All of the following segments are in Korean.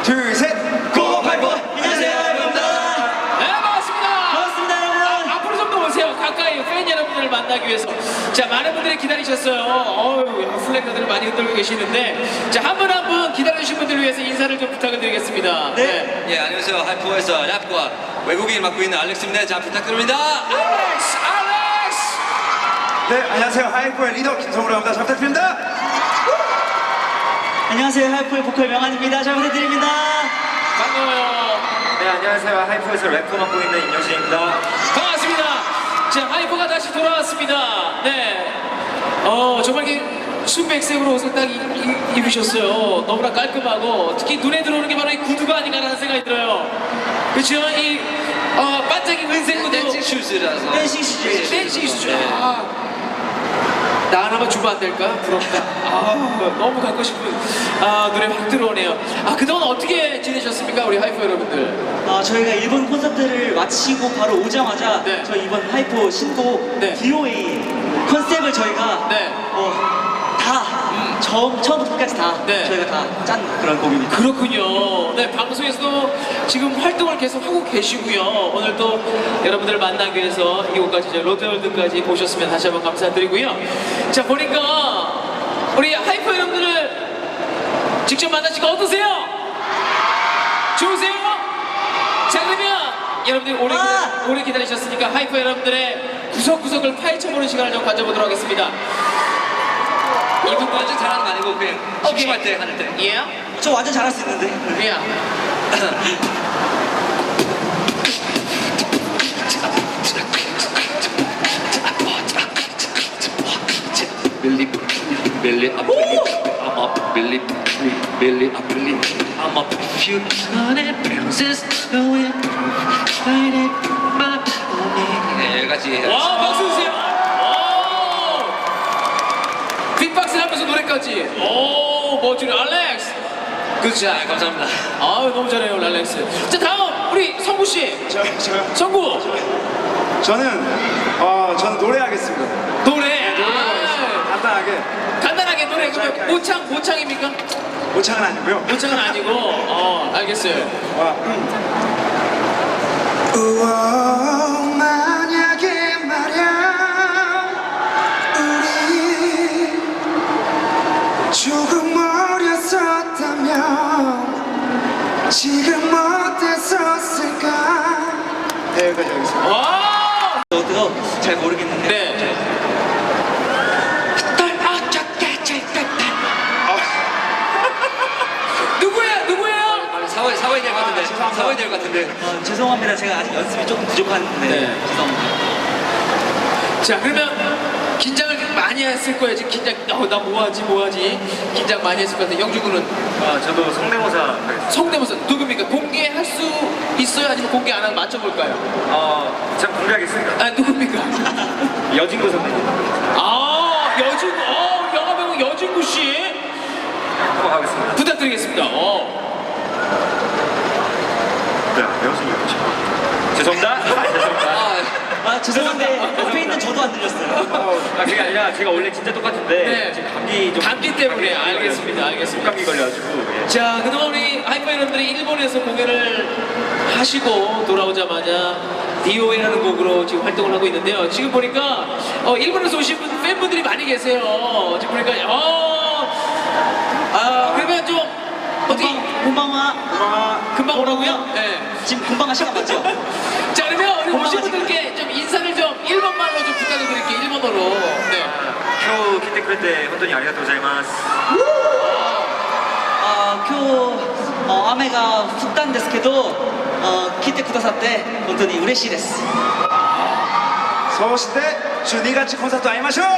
둘, 셋. 고고파이브. 안녕하세요, 여러분들. 네, 반갑습니다. 반갑습니다, 여러분. 앞으로 좀 더 오세요. 가까이 팬 여러분들을 만나기 위해서. 자, 많은 분들이 기다리셨어요. 플래카드를 많이 흔들고 계시는데, 자, 한 분 한 분 기다려주신 분들을 위해서 인사를 좀 부탁을 드리겠습니다. 네. 예, 안녕하세요. 하이퍼에서 랩과 외국인 맡고 있는 알렉스입니다. 잘 부탁드립니다. 알렉스! 알렉스! 네, 안녕하세요. 하이퍼의 리더 김성우라고 합니다. 잘 부탁드립니다. 안녕하세요, 하이프의 보컬 명한입니다. 잘 부탁드립니다. 반가워요. 네, 안녕하세요. 하이퍼에서 래퍼 맡고 있는 임영진입니다. 반갑습니다. 자, 하이퍼가 다시 돌아왔습니다. 네. 정말 이렇게 순백색으로 옷을 딱 입으셨어요. 너무나 깔끔하고 특히 눈에 들어오는 게 바로 이 구두가 아닌가라는 생각이 들어요. 그렇죠? 이 반짝이 은색 구두. 댄싱 슈즈라서. 댄싱 슈즈. 댄싱 슈즈. 네. 나 하나만 주면 안 될까? 부럽다. 너무 갖고 싶은 노래 확 들어오네요. 그동안 어떻게 지내셨습니까? 우리 하이퍼 여러분들. 저희가 일본 콘서트를 마치고 바로 오자마자 네. 저희 이번 하이퍼 신곡 네. DOA 컨셉을 저희가 네. 다 처음부터 끝까지 다 네. 저희가 다 짠 그런 곡입니다. 그렇군요. 네, 방송에서도 지금 활동을 계속 하고 계시고요. 오늘 또 여러분들을 만나기 위해서 이곳까지 이제 롯데월드까지 오셨으면 다시 한번 감사드리고요. 자, 보니까 우리 하이퍼 여러분들을 직접 만나시고 어떠세요? 좋으세요? 자, 그러면 여러분들 오래 기다리셨으니까 하이퍼 여러분들의 구석구석을 파헤쳐보는 시간을 좀 가져보도록 하겠습니다. 이분 완전 잘하는 거 아니고 그냥 심심할 때 하는 때. 예? 저 완전 잘할 수 있는데. 예. Billy, Billy, I believe I'm up, Billy, Billy, I believe I'm up. If you wanted princess, go in, find it, but 네, 여기까지. 와, 박수 주세요. 빅박스 하면서 노래까지. 멋지네. 알렉스. 그렇죠. 감사합니다. 너무 잘해요, 알렉스. 자, 다음 우리 성구 씨. 저요? 성구. 저는 노래하겠습니다. 노래. 간단하게. 간단하게 노래. 그러면 모창입니까? 모창은 아니고요. 모창은 아니고. 알겠어요. 우와, 만약에 말야 우리 조금 어렸었다면 지금 어땠었을까. 네, 여기까지 하겠습니다. 와. 저도 잘 모르겠는데. 네. 누구예요? 사와야 될 것 같은데. 죄송합니다. 사와야 될 것 같은데. 죄송합니다. 제가 아직 연습이 조금 부족한데. 네. 죄송합니다. 자, 그러면 긴장을 많이 했을 거예요. 지금 긴장. 나 뭐하지? 긴장 많이 했을 것 같아요. 영주군은 저도 성대모사 하겠습니다. 성대모사 누굽니까? 공개할 수 있어요? 아니면 공개 안 하면 맞춰볼까요? 제가 공개하겠습니다. 누굽니까? 여진구 선배님. 여진구. 영화배우 여진구 씨 한번 가겠습니다. 부탁드리겠습니다. 네, 배웠습니다. 죄송합니다. 죄송합니다. 죄송한데 옆에 있는 저도 안 들렸어요. 그게 아니라 제가 원래 진짜 똑같은데 네. 지금 감기 좀 감기 때문에 알겠습니다. 감기 걸려가지고. 예. 자, 그동안 우리 하이퍼 여러분들이 일본에서 공연을 하시고 돌아오자마자 DOA라는 곡으로 지금 활동을 하고 있는데요. 지금 보니까 일본에서 오신 팬분들이 많이 계세요. 지금 보니까 그러면 좀 어떻게 금방와 금방 오라고요? 네. 지금 금방가 시간 맞죠? 자, 그러면 우리 오신 고마워, 분들께 좀 인사를 좀 일본말로 좀 부탁을 드릴게요. 일본어로. 네. 今日来てくれて本当にありがとうございます。 今日雨が降ったんですけど来てくださって本当に嬉しいです。 そして12月コンサート会いましょう。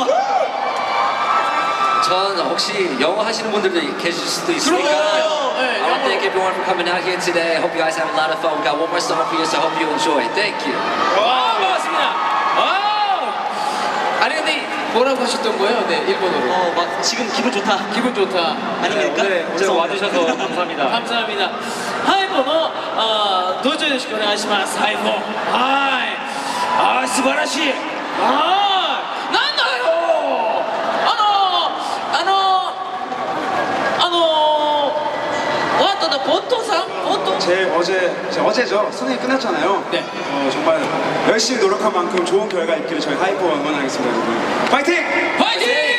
전 혹시 영어 하시는 분들도 계실 수도 있으니까. 그럼요. 네, I want to thank everyone for coming out here today. Hope you guys have a lot of fun. We got one more song for you, so I hope you enjoy. Thank you. 반갑습니다. 아니 근데 뭐라고 하셨던 거예요? 네, 일본어로. 막 지금 기분 좋다. 기분 좋다. 아닙니까? 오늘 와주셔서 감사합니다. 감사합니다. 하이퍼 도저 요시코 오네가시마스. 하이퍼. 하이. 스바라시. 난다요. 보통 제 어제죠. 수능이 끝났잖아요. 네. 정말 열심히 노력한 만큼 좋은 결과 있기를 저희 하이퍼 응원하겠습니다. 여러분. 파이팅! 파이팅!